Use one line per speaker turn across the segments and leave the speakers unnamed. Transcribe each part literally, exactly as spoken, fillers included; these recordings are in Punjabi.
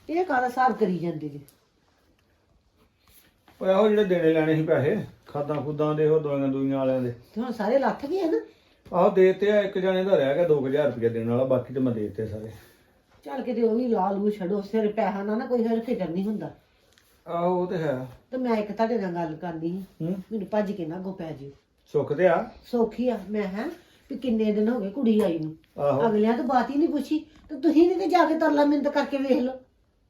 ਇਹ ਕਾਹਦਾ ਹਿਸਾਬ ਕਰੀ ਜਾਂਦੇ ਜੀ?
ਉਹ ਇਹੋ ਜਿਹੜੇ ਦੇਣੇ ਲੈਣੇ ਸੀ ਪੈਸੇ ਖਾਦਾਂ ਖੁੱਦਾਂ ਦੇ ਉਹ ਦਵਾਈਆਂ ਦੁਈਆਂ ਵਾਲਿਆਂ ਦੇ
ਤੇ ਹੁਣ ਸਾਰੇ ਲੱਥ ਗਏ ਨਾ।
ਆਹੋ ਦੇਤੇ ਆ। ਇੱਕ ਜਣੇ ਦਾ ਰਹਿ ਗਿਆ ਦੋ ਹਜ਼ਾਰ ਰੁਪਏ ਦੇਣ ਵਾਲਾ, ਬਾਕੀ ਤੇ ਮੈਂ ਦੇਤੇ ਸਾਰੇ।
ਚੱਲ ਕਿਤੇ ਉਹ ਵੀ ਲਾ ਲੂ ਛੱਡੋ, ਸਿਰ ਪੈਸਾ ਨਾ ਨਾ ਕੋਈ ਫਿਰ ਫਿਕਰ ਨਹੀਂ ਹੁੰਦਾ।
ਆਹੋ ਉਹ ਤੇ ਹੈ।
ਤੇ ਮੈਂ ਇੱਕ ਤੁਹਾਡੇ ਨਾਲ ਗੱਲ ਕਰਨੀ ਸੀ,
ਹੂੰ
ਮੈਨੂੰ ਭੱਜ ਕੇ ਨਾ ਅੱਗੋਂ ਪੈ ਜਿਓ।
ਸੁੱਖ ਤੇ ਆ।
ਸੌਖੀ ਆ ਮੈਂ ਹੈ ਵੀ ਕਿੰਨੇ ਦਿਨ ਹੋ ਗਏ ਕੁੜੀ ਆਈ ਨੂੰ,
ਆਹੋ
ਅਗਲਿਆਂ ਤੋਂ ਬਾਤ ਹੀ ਨਹੀਂ ਪੁੱਛੀ ਤੇ ਤੁਸੀਂ ਨਹੀਂ ਤੇ ਜਾ ਕੇ ਤਰਲਾ ਮਿੰਤ ਕਰਕੇ ਵੇਖ ਲਓ।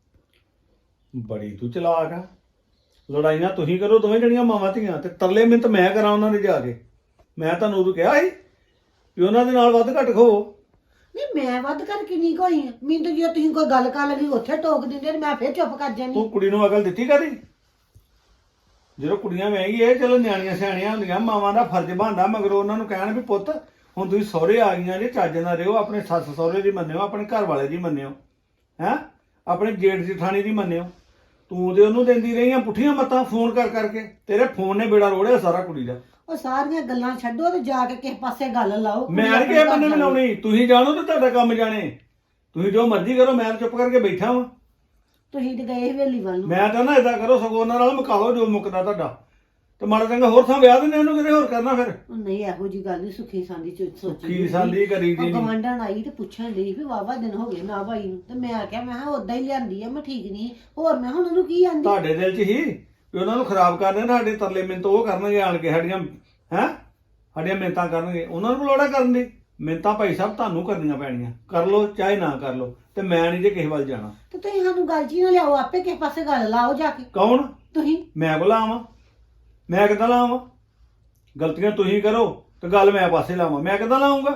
ਬੜੀ ਤੂੰ ਚਲਾਕ ਆ। ਲੜਾਈਆਂ ਤੁਸੀਂ ਕਰੋ ਦੋਵੇਂ ਜਣੀਆਂ ਮਾਵਾਂ ਧੀਆਂ, ਤੇ ਤਰਲੇ ਮਿੰਤ ਮੈਂ ਕਰਾਂ ਉਹਨਾਂ ਦੇ ਜਾ ਕੇ। ਮੈਂ ਤੁਹਾਨੂੰ ਉਦੋਂ ਕਿਹਾ ਸੀ ਵੀ ਉਹਨਾਂ ਦੇ ਨਾਲ ਵੱਧ ਘੱਟ ਖੋ।
ਨਹੀਂ ਮੈਂ ਵੱਧ ਕਰਕੇ ਨਹੀਂ ਕੋਈ ਆ, ਮੈਨੂੰ ਤਾਂ ਜੇ ਤੁਸੀਂ ਕੋਈ ਗੱਲ ਕਰ ਲਗੀ ਉੱਥੇ ਟੋਕ ਦਿੰਦੇ ਤੇ ਮੈਂ ਫਿਰ ਚੁੱਪ ਕਰ ਜਾਂਦੀ।
ਤੂੰ ਕੁੜੀ ਨੂੰ ਅਕਲ ਦਿੱਤੀ ਕਦੀ? ਜਦੋਂ ਕੁੜੀਆਂ ਵਿਆਹੀ ਇਹ ਚਲੋ ਨਿਆਣੀਆਂ ਸਿਆਣੀਆਂ ਹੁੰਦੀਆਂ, ਮਾਵਾਂ ਦਾ ਫਰਜ਼ ਬਣਦਾ ਮਗਰ ਉਹਨਾਂ ਨੂੰ ਕਹਿਣ ਵੀ ਪੁੱਤ ਹੁਣ ਤੁਸੀਂ ਸਹੁਰੇ ਆ ਗਈਆਂ ਜੇ, ਚੱਜ ਨਾਲ ਰਿਓ, ਆਪਣੇ ਸੱਸ ਸਹੁਰੇ ਦੀ ਮੰਨਿਓ, ਆਪਣੇ ਘਰ ਵਾਲੇ ਦੀ ਮੰਨਿਓ, ਹੈਂ ਆਪਣੇ ਜੇਠ ਜਠਾਣੀ ਦੀ ਮੰਨਿਓ। ਤੂੰ ਤੇ ਉਹਨੂੰ ਦਿੰਦੀ ਰਹੀਆਂ ਪੁੱਠੀਆਂ ਮੱਤਾਂ ਫੋਨ ਕਰ ਕਰਕੇ। ਤੇਰੇ ਫੋਨ ਨੇ ਬੇੜਾ ਰੋੜਿਆ ਸਾਰਾ ਕੁੜੀ ਦਾ।
ਉਹ ਸਾਰੀਆਂ ਗੱਲਾਂ ਛੱਡੋ ਤੇ ਜਾ ਕੇ ਕਿਸੇ ਪਾਸੇ ਗੱਲ ਲਾਓ।
ਮੈਂ ਨਹੀਂ ਕਿਸੇ ਬੰਨੇ ਵੀ ਲਾਉਣੀ, ਤੁਸੀਂ ਜਾਣੋ ਤੇ ਤੁਹਾਡਾ ਕੰਮ ਜਾਣੇ। ਤੁਸੀਂ ਜੋ ਮਰਜ਼ੀ ਕਰੋ, ਮੈਂ ਚੁੱਪ ਕਰਕੇ ਬੈਠਾ ਵਾਂ।
ਤੁਸੀਂ ਤੇ ਗਏ ਹਵੇਲੀ ਵੱਲ ਨੂੰ।
ਮੈਂ ਤਾਂ ਨਾ ਏਦਾਂ ਕਰੋ, ਸਗੋਂ ਉਹਨਾਂ ਨਾਲ ਮੁਕਾ ਲਓ ਜੋ ਮੁੱਕਦਾ ਤੁਹਾਡਾ, ਤੇ ਮਾੜਾ ਚੰਗਾ ਹੋਰ ਥਾਂ ਵਿਆਹ ਦਿੰਦੇ ਉਹਨੂੰ, ਕਿਤੇ ਹੋਰ ਕਰਨਾ ਫਿਰ।
ਉਹ ਨਹੀਂ ਇਹੋ ਜੀ ਗੱਲ ਨਹੀਂ, ਸੁੱਖੀ ਸਾਂਦੀ ਚ ਸੋਚੀ
ਕੀ ਸਾਂਦੀ ਕਰੀ ਦੀ ਨੀ।
ਗਵਾਂਢਣ ਆਈ ਤੇ ਪੁੱਛਣ ਲਈ ਵੀ ਵਾਵਾ ਦਿਨ ਹੋ ਗਏ ਨਾ ਭਾਈ ਨੂੰ, ਤੇ ਮੈਂ ਆਖਿਆ ਮੈਂ ਕਿਹਾ ਉਦਾਂ ਹੀ ਲਿਆਂਦੀ ਆ, ਮੈਂ ਠੀਕ ਨਹੀਂ ਹੋਰ ਮੈਂ ਹੁਣ ਉਹਨੂੰ ਕੀ ਆਂਦੀ।
ਤੁਹਾਡੇ ਦਿਲ 'ਚ ਹੀ ਵੀ ਉਹਨਾਂ ਨੂੰ ਖਰਾਬ ਕਰਨੇ, ਸਾਡੇ ਤਰਲੇ ਮਿੰਤ ਉਹ ਕਰਨਗੇ ਆਣ ਕੇ ਸਾਡੀਆਂ, ਹੈਂ ਸਾਡੀਆਂ ਮਿੰਤਾਂ ਕਰਨਗੇ। ਉਹਨਾਂ ਨੂੰ ਲੋੜਾ ਕਰਨ ਦੀ ਮਿੰਤਾਂ ਭਾਈ ਸਾਹਿਬ ਤੁਹਾਨੂੰ ਕਰਨੀਆਂ ਪੈਣੀਆਂ, ਕਰ ਲਓ ਚਾਹੇ ਨਾ ਕਰ ਲਓ, ਤੇ ਮੈਂ ਨਹੀਂ ਜੇ ਕਿਸੇ ਵੱਲ ਜਾਣਾ।
ਤੇ ਤੁਸੀਂ ਸਾਨੂੰ ਗੱਲ ਜੀ ਨਾ ਲਿਆਓ, ਆਪੇ ਕਿਸੇ ਪਾਸੇ ਗੱਲ ਲਾਓ ਜਾ ਕੇ।
ਕੌਣ?
ਤੁਸੀਂ।
ਮੈਂ ਕੋਲ ਆਵਾਂ? ਮੈਂ ਕਿੱਦਾਂ ਲਾਵਾਂ? ਗਲਤੀਆਂ ਤੁਸੀਂ ਕਰੋ ਤੇ ਗੱਲ ਮੈਂ ਪਾਸੇ ਲਾਵਾਂ, ਮੈਂ ਕਿੱਦਾਂ ਲਾਉਂਗਾ?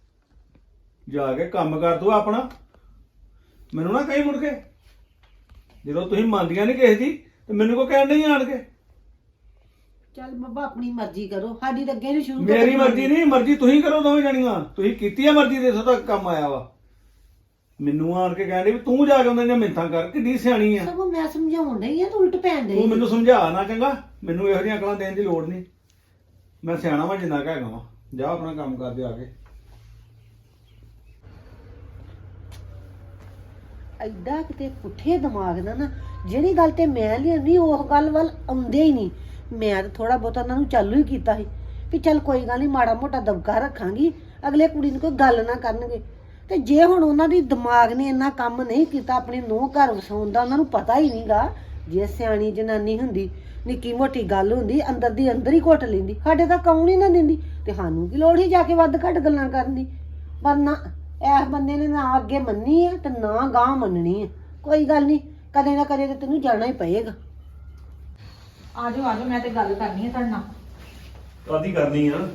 ਜਾ ਕੇ ਕੰਮ ਕਰ ਤੂੰ ਆਪਣਾ, ਮੈਨੂੰ ਨਾ ਕਹੀਂ ਮੁੜ ਕੇ। ਜਦੋਂ ਤੁਸੀਂ ਮੰਨਦੀਆਂ ਨਹੀਂ ਕਿਸੇ ਦੀ ਤੇ ਮੈਨੂੰ ਕੋ ਕਹਿਣ ਨਹੀਂ ਆਣ ਕੇ।
ਚੱਲ ਬਾਬਾ ਆਪਣੀ ਮਰਜ਼ੀ ਕਰੋ, ਸਾਡੀ ਤਾਂ ਅੱਗੇ ਨਹੀਂ ਸ਼ੁਰੂ।
ਮੇਰੀ ਮਰਜ਼ੀ ਨਹੀਂ, ਮਰਜ਼ੀ ਤੁਸੀਂ ਕਰੋ ਦੋਵੇਂ ਜਣੀਆਂ। ਤੁਸੀਂ ਕੀਤੀ ਆ ਮਰਜ਼ੀ ਦੇ ਇੱਥੋਂ ਤੱਕ ਕੰਮ ਆਇਆ ਵਾ। ਮੈਨੂੰ ਆਣ ਕੇ ਕਹਿੰਦੇ ਵੀ ਤੂੰ ਜਾ ਕੇ ਉਹਨਾਂ ਦੀਆਂ ਮਿੰਤਾਂ ਕਰ, ਕਿੱਡੀ ਸਿਆਣੀ ਆ।
ਸਗੋਂ ਮੈਂ ਸਮਝਾਉਣ ਡਈ ਆ, ਤੂੰ ਉਲਟ ਪੈਣ ਡਈ।
ਤੂੰ ਮੈਨੂੰ ਸਮਝਾ ਨਾ ਚੰਗਾ, ਮੈਨੂੰ ਇਹੋ ਜਿਹੀਆਂ ਅਕਲਾਂ ਦੇਣ ਦੀ ਲੋੜ ਨਹੀਂ। ਮੈਂ ਸਿਆਣਾ ਵਾਂ ਜਿੰਨਾ ਕੁ ਹੈਗਾ ਵਾਂ। ਜਾ ਆਪਣਾ ਕੰਮ ਕਰ ਦੇ ਆ ਕੇ।
ਐਡਾ ਕਿਤੇ ਪੁੱਠੇ ਦਿਮਾਗ ਦਾ ਨਾ, ਜਿਹੜੀ ਗੱਲ ਤੇ ਮੈਂ ਲਿਆਉਣੀ ਉਹ ਗੱਲ ਵੱਲ ਆਉਂਦੇ ਹੀ ਨਹੀਂ। ਮੈਂ ਤਾਂ ਥੋੜਾ ਬਹੁਤਾ ਉਹਨਾਂ ਨੂੰ ਚਾਲੂ ਹੀ ਕੀਤਾ ਸੀ ਵੀ ਚੱਲ ਕੋਈ ਗੱਲ ਨਹੀਂ, ਮਾੜਾ ਮੋਟਾ ਦਬਕਾ ਰੱਖਾਂਗੀ, ਅਗਲੇ ਕੁੜੀ ਨੂੰ ਕੋਈ ਗੱਲ ਨਾ ਕਰਨਗੇ। ਤੇ ਜੇ ਹੁਣ ਉਹਨਾਂ ਦੀ ਦਿਮਾਗ ਨੇ ਇੰਨਾ ਕੰਮ ਨਹੀਂ ਕੀਤਾ ਆਪਣੀ ਨੂੰਹ ਘਰ ਵਸਾਉਣ ਦਾ, ਉਹਨਾਂ ਨੂੰ ਪਤਾ ਹੀ ਨਹੀਂਗਾ। ਜੇ ਸਿਆਣੀ ਜਨਾਨੀ ਹੁੰਦੀ, ਨਿੱਕੀ ਮੋਟੀ ਗੱਲ ਹੁੰਦੀ ਅੰਦਰ ਦੀ ਅੰਦਰ ਹੀ ਘੁੱਟ ਲੈਂਦੀ, ਸਾਡੇ ਤਾਂ ਕੌਣ ਹੀ ਨਾ ਦਿੰਦੀ, ਤੇ ਸਾਨੂੰ ਕੀ ਲੋੜ ਹੀ ਜਾ ਕੇ ਵੱਧ ਘੱਟ ਗੱਲਾਂ ਕਰਨ ਦੀ। ਪਰ ਨਾ, ਇਸ ਬੰਦੇ ਨੇ ਨਾ ਅੱਗੇ ਮੰਨੀ ਹੈ ਤੇ ਨਾ ਗਾਂਹ ਮੰਨਣੀ ਹੈ। ਕੋਈ ਗੱਲ ਨਹੀਂ, ਕਦੇ ਨਾ ਕਦੇ ਤੇ ਤੈਨੂੰ ਜਾਣਾ ਹੀ ਪਏਗਾ।
ਆਜੋ ਆਜੋ, ਮੈਂ ਤੇ ਗੱਲ ਕਰਨੀ ਹੈ ਤੁਹਾਡੇ ਨਾਲ।
ਕਾਦੀ ਕਰਨੀ ਆ?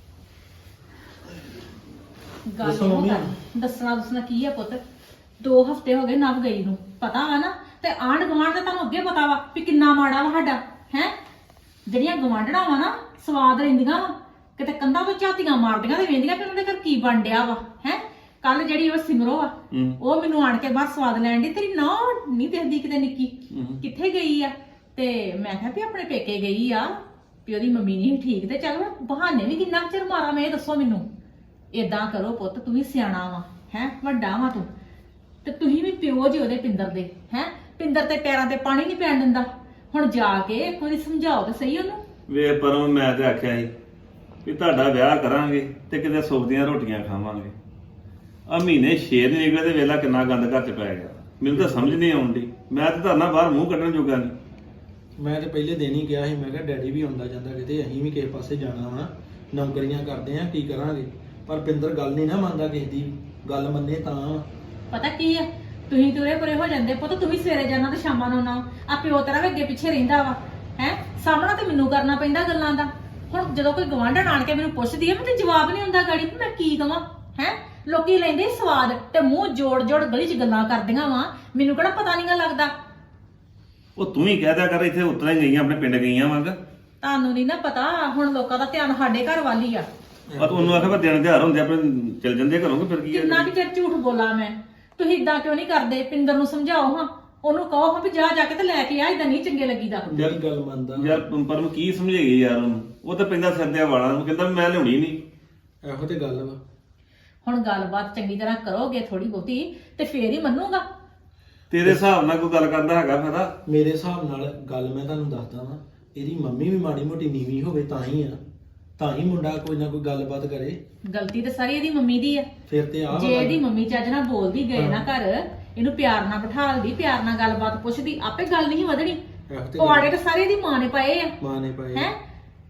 ਗੱਲ
ਦੱਸੋ
ਇਹੋ
ਮੰਮੀ।
ਕਰਨੀ। ਦੱਸਣਾ ਦੱਸਣਾ ਕੀ ਹੈ ਪੁੱਤ, ਦੋ ਹਫ਼ਤੇ ਹੋ ਗਏ ਨਵ ਗਈ ਨੂੰ, ਪਤਾ ਵਾ ਨਾ। ਤੇ ਆਂਢ ਗੁਆਂਢ ਦਾ ਤੁਹਾਨੂੰ ਅੱਗੇ ਪਤਾ ਵਾ ਵੀ ਕਿੰਨਾ ਮਾੜਾ ਵਾ ਸਾਡਾ, ਹੈ ਜਿਹੜੀਆਂ ਗਵਾਂਢਣਾ ਵਾ ਨਾ ਸਵਾਦ ਰਹਿੰਦੀਆਂ ਵਾ, ਕਿਤੇ ਕੰਧਾਂ ਤੋਂ ਝਾਤੀਆਂ ਮਾਰਦੀਆਂ ਤੇ ਵੇਂਦੀਆਂ ਕਿ ਉਹਨਾਂ ਦੇ ਘਰ ਕੀ ਬਣ ਡਿਆ ਵਾ। ਹੈ ਕੱਲ ਜਿਹੜੀ ਉਹ ਸਿਮਰੋ ਆ, ਉਹ ਮੈਨੂੰ ਆਣ ਕੇ ਬਾਹਰ ਸਵਾਦ ਲੈਣ ਦੀ, ਤੇਰੀ ਨਾ ਨਹੀਂ ਦੇਖਦੀ ਕਿਤੇ ਨਿੱਕੀ ਕਿੱਥੇ ਗਈ ਆ। ਤੇ ਮੈਂ ਕਿਹਾ ਵੀ ਆਪਣੇ ਪੇਕੇ ਗਈ ਆ, ਵੀ ਉਹਦੀ ਮੰਮੀ ਨਹੀਂ ਠੀਕ, ਤੇ ਚੱਲ ਮੈਂ ਬਹਾਨੇ ਵੀ ਕਿੰਨਾ ਚਿਰ ਮਾਰਾਂ ਮੈਂ, ਇਹ ਦੱਸੋ ਮੈਨੂੰ। ਏਦਾਂ ਕਰੋ ਪੁੱਤ, ਤੂੰ ਵੀ ਸਿਆਣਾ ਵਾ, ਹੈ ਵੱਡਾ ਵਾ ਤੂੰ, ਤੇ ਤੁਸੀਂ ਵੀ ਪਿਓ ਜੀ ਉਹਦੇ ਪਿੰਦਰ ਦੇ। ਹੈ ਪਿੰਦਰ ਤੇ ਪੈਰਾਂ ਤੇ ਪਾਣੀ ਨਹੀਂ ਪੈਣ ਦਿੰਦਾ। ਹੁਣ ਜਾ ਕੇ ਇੱਕ ਵਾਰੀ ਸਮਝਾਓ ਤੇ ਸਹੀ ਉਹਨੂੰ।
ਵੇ ਪਰਮ, ਮੈਂ ਤੇ ਆਖਿਆ ਸੀ ਵੀ ਤੁਹਾਡਾ ਵਿਆਹ ਕਰਾਂਗੇ ਤੇ ਕਿਤੇ ਸੁੱਖ ਦੀਆਂ ਰੋਟੀਆਂ ਖਾਵਾਂਗੇ। ਆ ਮਹੀਨੇ ਛੇ ਦਿਨ ਨਿਕਲੇ ਤੇ ਵੇਲਾ ਕਿੰਨਾ ਗੰਦ ਘਰ ਚ ਪੈ ਗਿਆ। ਮੈਨੂੰ ਤਾਂ ਸਮਝ ਨਹੀਂ ਆਉਂਦੀ, ਮੈਂ ਤੇ ਧਰਨਾ ਬਾਹਰ ਮੂੰਹ ਕੱਢਣ ਜੋਗਾ ਨਹੀਂ।
ਮੈਂ ਤੇ ਪਹਿਲੇ ਦਿਨ ਹੀ ਕਿਹਾ ਸੀ, ਮੈਂ ਕਿਹਾ ਡੈਡੀ ਵੀ ਆਉਂਦਾ ਜਾਂਦਾ ਕਿਤੇ, ਅਸੀਂ ਵੀ ਕਿਸੇ ਪਾਸੇ ਜਾਣਾ ਵਾ, ਨੌਕਰੀਆਂ ਕਰਦੇ ਆ, ਕੀ ਕਰਾਂਗੇ। ਪਰ ਪਿੰਦਰ ਗੱਲ ਨਹੀਂ ਨਾ ਮੰਨਦਾ ਕਿਸੇ ਦੀ, ਗੱਲ ਮੰਨੇ ਤਾਂ।
ਪਤਾ ਕੀ ਆ, ਤੁਸੀਂ ਤੁਰੇ ਪਰੇ ਹੋ ਜਾਂਦੇ ਪੁੱਤ, ਤੂੰ ਵੀ ਸਵੇਰੇ ਜਾਣਾ ਤੇ ਸ਼ਾਮਾਂ ਨੂੰ ਆਉਣਾ। ਆ ਪਿਓ ਤੇਰਾ ਵੀ ਅੱਗੇ ਪਿੱਛੇ ਰਹਿੰਦਾ ਵਾ, ਹੈ ਸਾਹਮਣਾ ਤੇ ਮੈਨੂੰ ਕਰਨਾ ਪੈਂਦਾ ਗੱਲਾਂ ਦਾ। ਹੁਣ ਜਦੋਂ ਕੋਈ ਗਵਾਂਢਣ ਆਣ ਕੇ ਮੈਨੂੰ ਪੁੱਛਦੀ ਆ, ਮੈਨੂੰ ਜਵਾਬ ਨਹੀਂ ਹੁੰਦਾ ਗਾੜੀ, ਮੈਂ ਕੀ ਕਵਾਂ। ਹੈ ਲੋਕੀ ਲੈਂਦੇ ਸਵਾਦ ਤੇ ਮੂੰਹ ਜੋੜ ਜੋੜ ਗਲੀ 'ਚ ਗੱਲਾਂ ਕਰਦੀਆਂ ਵਾ, ਮੈਨੂੰ ਕਿਹੜਾ ਪਤਾ ਨਹੀਂਗਾ ਲੱਗਦਾ।
ਉਹ ਤੂੰ ਹੀ ਕਹਿ ਦਿਆ ਕਰ, ਇੱਥੇ ਉਤਰਾ ਹੀ ਗਈਆਂ, ਆਪਣੇ ਪਿੰਡ ਗਈਆਂ ਵਾਂਗ।
ਤੁਹਾਨੂੰ ਨਹੀਂ ਨਾ ਪਤਾ, ਹੁਣ ਲੋਕਾਂ ਦਾ ਧਿਆਨ ਸਾਡੇ ਘਰ ਵੱਲ ਹੀ ਆ।
ਆ ਤੂੰ ਉਹਨੂੰ ਆਖਿਆ ਦਿਨ ਤਿਉਹਾਰ ਹੁੰਦੇ ਆਪਣੇ ਚਲ ਜਾਂਦੇ ਘਰੋਂ, ਕਿ ਫਿਰ ਕੀ ਹੈ।
ਕਿੰਨਾ ਕਿ ਚਿਰ ਝੂਠ ਬੋਲਾਂ ਮੈਂ। ਤੁਸੀਂ ਇਦਾਂ ਕਿਉਂ ਨਹੀਂ ਕਰਦੇ? ਪਿੰਦਰ ਨੂੰ ਸਮਝਾਓ ਹਾਂ, ਉਹਨੂੰ ਕਹੋ ਹਾਂ ਵੀ ਜਾ ਜਾ ਕੇ ਤੇ ਲੈ ਕੇ ਆ, ਇਦਾਂ ਨਹੀਂ ਚੰਗੇ ਲੱਗੀਦਾ।
ਮੇਰੀ ਗੱਲ ਮੰਨਦਾ
ਯਾਰ ਪਰਮ ਕੀ ਸਮਝੇਗੀ ਯਾਰ ਉਹਨੂੰ, ਉਹ ਤਾਂ ਪੈਂਦਾ ਸਿਰ ਦੇ ਵਾਲਾਂ ਨੂੰ, ਕਹਿੰਦਾ ਮੈਂ ਲਿਆਉਣੀ ਨਹੀਂ।
ਇਹੋ ਤੇ ਗੱਲ ਵਾ।
ਹੁਣ ਗੱਲਬਾਤ ਚੰਗੀ ਤਰ੍ਹਾਂ ਕਰੋਗੇ ਥੋੜੀ ਬਹੁਤੀ ਤੇ ਫੇਰ ਹੀ ਮੰਨੂਗਾ।
ਤੇਰੇ ਹਿਸਾਬ ਨਾਲ ਕੋਈ ਗੱਲ ਕਰਦਾ ਹੈਗਾ ਫਾਇਦਾ?
ਮੇਰੇ ਹਿਸਾਬ ਨਾਲ ਗੱਲ ਮੈਂ ਤੁਹਾਨੂੰ ਦੱਸਦਾ ਵਾਂ, ਇਹਦੀ ਮੰਮੀ ਵੀ ਮਾੜੀ ਮੋਟੀ ਨੀਵੀਂ ਹੋਵੇ ਤਾਂ ਹੀ ਆ, ਤਾਂ ਹੀ ਮੁੰਡਾ ਕੋਈ ਨਾ ਕੋਈ ਗੱਲਬਾਤ ਕਰੇ।
ਗਲਤੀ ਤਾਂ ਸਾਰੀ ਇਹਦੀ ਮੰਮੀ ਦੀ ਆ।
ਫਿਰ ਤੇ ਆ
ਜੇ ਇਹਦੀ ਮੰਮੀ ਚੱਜ ਨਾਲ ਬੋਲਦੀ ਗਏ ਨਾ ਘਰ, ਇਹਨੂੰ ਪਿਆਰ ਨਾਲ ਬਿਠਾਲਦੀ, ਪਿਆਰ ਨਾਲ ਗੱਲਬਾਤ ਪੁੱਛਦੀ, ਆਪੇ ਗੱਲ ਨਹੀਂ ਵਧਣੀ। ਪਵਾੜੇ ਤਾਂ ਸਾਰੇ ਇਹਦੀ ਮਾਂ ਨੇ ਪਾਏ ਆ,
ਮਾਂ ਨੇ ਪਾਏ
ਹੈ।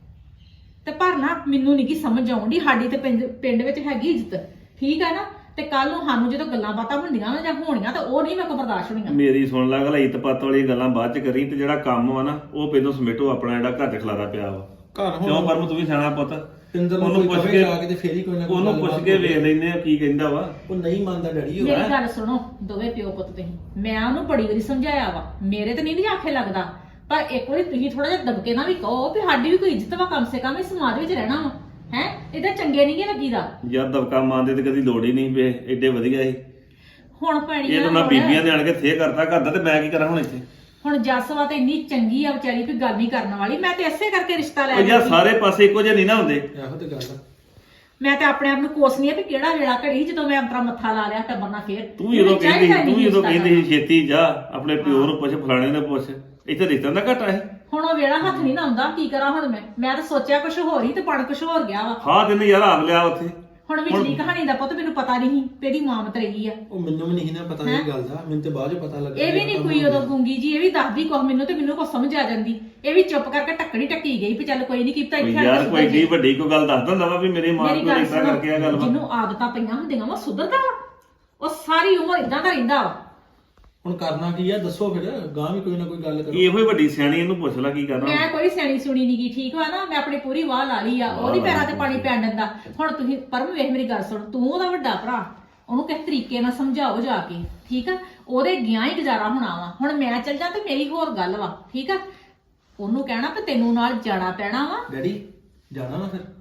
ਤੇ ਪਰ ਨਾ ਮੈਨੂੰ ਨਹੀਂ ਕੀ ਸਮਝ ਆਉਂਦੀ, ਸਾਡੀ ਤੇ ਪਿੰਡ ਪਿੰਡ ਵਿੱਚ ਹੈਗੀ ਇੱਜ਼ਤ, ਠੀਕ ਹੈ ਨਾ। ਤੇ ਕੱਲ ਨੂੰ ਸਾਨੂੰ ਜਦੋਂ ਗੱਲਾਂ ਬਾਤਾਂ ਹੁੰਦੀਆਂ ਨਾ ਜਾਂ ਹੋਣੀਆਂ ਤਾਂ ਉਹ ਨਹੀਂ ਮੇਰੇ ਕੋਲ ਬਰਦਾਸ਼ਤ ਹੋਣੀਆਂ।
ਮੇਰੀ ਸੁਣ ਲੈ ਗੱਲ, ਇੱਤ ਪੱਤ ਵਾਲੀ ਗੱਲਾਂ ਬਾਅਦ ਚ ਕਰੀ, ਤੇ ਜਿਹੜਾ ਕੰਮ ਵਾ ਨਾ ਉਹ ਪਹਿਲਾਂ ਸਮੇਟੋ ਆਪਣਾ, ਜਿਹੜਾ ਘਰ ਚ ਖਲਾਰਾ ਪਿਆ ਵਾ।
ਘਰ
ਕਿਉਂ
ਹੁਣ
ਪਰਮ, ਤੂੰ ਵੀ ਸਿਆਣਾ ਪੁੱਤ,
ਪਿੰਦਰ ਨੂੰ
ਉਹਨੂੰ
ਕੋਈ
ਪੁੱਛ
ਕਵੇ
ਕੇ
ਜਾ ਕੇ ਤੇ ਫੇਰ ਹੀ ਕੋਈ ਨਾ ਕੋਈ
ਉਹਨੂੰ ਪੁੱਛ
ਗੱਲਬਾਤ
ਕੇ
ਹੋਵੇ।
ਵੇਖ ਲੈਨੇ ਆ ਕੀ ਕਹਿੰਦਾ ਵਾ।
ਉਹ ਨਹੀਂ ਮੰਨਦਾ ਡੈਡੀ ਉਹ
ਮੇਰੀ ਗੱਲ ਸੁਣੋ ਦੋਵੇਂ ਪਿਓ ਪੁੱਤ ਤੁਸੀਂ, ਮੈਂ ਉਹਨੂੰ ਬੜੀ ਵਾਰੀ ਸਮਝਾਇਆ ਵਾ, ਮੇਰੇ ਤੇ ਨਹੀਂ ਨਹੀਂ ਆਖੇ ਲੱਗਦਾ, ਪਰ ਇੱਕ ਵਾਰੀ ਤੁਸੀਂ ਥੋੜਾ ਜਿਹਾ ਦਬਕੇ ਨਾਲ ਵੀ ਕਹੋ ਵੀ ਸਾਡੀ ਵੀ ਕੋਈ ਇੱਜ਼ਤ ਵਾ, ਕਮ ਸੇ ਕਮ ਇਸ ਸਮਾਜ ਵਿੱਚ ਰਹਿਣਾ ਵਾ, ਹੈ। ਇਹਦਾ ਚੰਗੇ ਨਹੀਂ ਗੇ ਲੱਗੀਦਾ।
ਯਾਰ ਦਬਕਾ ਮਾਰਦੇ ਤੇ ਕਦੀ ਲੋੜ ਹੀ ਨਹੀਂ ਪਏ, ਐਡੇ ਵਧੀਆ ਸੀ।
ਹੁਣ ਪੈਣੀ
ਇਹ ਤਾਂ ਨਾ ਬੀਬੀਆਂ ਦੇ ਆਣ ਕੇ ਥੇ ਕਰਤਾ ਕਰਦਾ, ਤੇ ਮੈਂ ਕੀ ਕਰਾਂ ਹੁਣ ਇੱਥੇ?
ਹੁਣ ਜੱਸਵਾ ਤੇ ਇੰਨੀ ਚੰਗੀ ਆ ਵਿਚਾਰੀ, ਕੋਈ ਗੱਲ ਨਹੀਂ ਕਰਨ ਵਾਲੀ। ਮੈਂ ਤੇ ਇਸੇ ਕਰਕੇ ਰਿਸ਼ਤਾ ਲੈ
ਉਹ ਯਾਰ
ਲਈ।
ਸਾਰੇ ਪਾਸੇ ਇੱਕੋ ਜਿਹੇ ਨਹੀਂ ਨਾ ਹੁੰਦੇ।
ਇਹੋ ਤੇ ਗੱਲ ਆ।
ਮੈਂ ਤੇ ਆਪਣੇ ਆਪ ਨੂੰ ਕੋਸਨੀ ਆ ਵੀ ਕਿਹੜਾ ਵੇਲਾ ਘੜੀ ਜਦੋਂ ਮੈਂ ਅੰਤਰਾ ਮੱਥਾ ਲਾ ਲਿਆ ਟੱਬਰ ਨਾਲ ਫੇਰ।
ਤੂੰ ਜਦੋਂ
ਮੈਨੂੰ
ਕਹਿੰਦੀ
ਚਾਹੀਦਾ
ਤੂੰ
ਨਹੀਂ
ਜਦੋਂ
ਰਿਸ਼ਤਾ
ਕਹਿੰਦੀ ਸੀ ਛੇਤੀ ਜਾ ਆਪਣੇ ਪਿਓ ਨੂੰ ਪੁੱਛ, ਫਲਾਣੇ ਨੂੰ ਪੁੱਛ, ਇੱਥੇ ਰਿਸ਼ਤਾ ਦਾ ਘਟਾ ਹੈ।
ਹੁਣ ਉਹ ਵੇਲਾ ਹੱਥ ਨਹੀਂ ਨਾ ਆਉਂਦਾ, ਕੀ ਕਰਾਂ ਹੁਣ ਮੈਂ ਮੈਂ ਤਾਂ ਸੋਚਿਆ ਕੁਝ ਹੋਰ ਹੀ ਤੇ ਬਣ ਕੁਝ ਹੋਰ ਗਿਆ ਵਾ।
ਹਾਂ ਤੈਨੂੰ ਯਾਰ ਆਪ ਲਿਆ ਉੱਥੇ।
ਹੁਣ ਵਿਚਲੀ ਕਹਾਣੀ ਦਾ ਪੁੱਤ ਮੈਨੂੰ ਪਤਾ ਨਹੀਂ ਤੇਰੀ ਮਾਂ ਮਤਰੇਗੀ ਆ।
ਉਹ ਮੈਨੂੰ ਵੀ ਨਹੀਂ ਨਾ ਪਤਾ ਇਹ ਗੱਲ ਦਾ, ਮੈਨੂੰ ਤੇ ਬਾਅਦ ਚ ਪਤਾ ਲੱਗਾ।
ਇਹ ਵੀ ਨਹੀਂ ਕੋਈ ਉਦੋਂ ਗੂੰਗੀ ਜੀ, ਇਹ ਵੀ ਦੱਸਦੀ ਕੁਛ ਮੈਨੂੰ ਤੇ ਮੈਨੂੰ ਕੁਛ ਸਮਝ ਆ ਜਾਂਦੀ। ਇਹ ਵੀ ਚੁੱਪ ਕਰਕੇ ਟੱਕਣੀ ਟੱਕੀ ਗਈ ਵੀ ਚੱਲ ਕੋਈ ਨਹੀਂ ਕੀਤਾ ਇੱਥੇ
ਯਾਰ ਕੋਈ ਏਡੀ ਵੱਡੀ ਕੋਈ ਗੱਲ ਦੱਸ ਦਿੰਦਾ ਵਾ ਵੀ ਮੇਰੀ ਮਾਂ
ਮੇਰੀ
ਕੋਲ
ਗੱਲ
ਇਦਾਂ ਕਰਕੇ ਆ ਗੱਲ ਵਾ।
ਜਿਹਨੂੰ ਆਦਤਾਂ ਪਈਆਂ ਹੁੰਦੀਆਂ ਵਾ ਸੁਧਰਦਾ ਵਾ, ਉਹ ਸਾਰੀ ਉਮਰ ਇਦਾਂ ਦਾ ਰਹਿੰਦਾ ਵਾ।
ਹੁਣ ਕਰਨਾ ਕੀ ਆ ਦੱਸੋ ਫਿਰ, ਗਾਂ ਵੀ ਕੋਈ ਨਾ ਕੋਈ ਗੱਲ ਕਰੋ।
ਇਹੋ ਹੀ ਵੱਡੀ ਸਿਆਣੀ, ਇਹਨੂੰ ਪੁੱਛ ਲੈ ਕੀ ਕਰਨਾ।
ਮੈਂ ਕੋਈ ਸਿਆਣੀ ਸੁਣੀ ਨਹੀਂ ਗਈ, ਠੀਕ ਵਾ ਨਾ। ਮੈਂ ਆਪਣੀ ਪੂਰੀ ਵਾਹ ਲਾ ਲਈ ਆ, ਉਹਦੀ ਪੈਰਾਂ ਤੇ ਪਾਣੀ ਪੈਣ ਦਿੰਦਾ। ਹੁਣ ਤੁਸੀਂ ਪਰਮ ਵੇਖ ਮੇਰੀ ਗੱਲ ਸੁਣ, ਤੂੰ ਉਹਦਾ ਵੱਡਾ ਭਰਾ, ਉਹਨੂੰ ਕਿਸ ਤਰੀਕੇ ਨਾਲ ਸਮਝਾਓ ਜਾ ਕੇ, ਠੀਕ ਆ। ਉਹਦੇ ਗਿਆ ਹੀ ਗੁਜ਼ਾਰਾ ਹੋਣਾ ਵਾ। ਹੁਣ ਮੈਂ ਚੱਲ ਜਾ ਤੇ ਮੇਰੀ ਹੋਰ ਗੱਲ ਵਾ, ਠੀਕ ਆ। ਉਹਨੂੰ ਕਹਿਣਾ ਕਿ ਤੈਨੂੰ ਨਾਲ ਜਾਣਾ ਪੈਣਾ ਵਾ।
ਡੈਡੀ ਜਾਣਾ ਵਾ ਫਿਰ?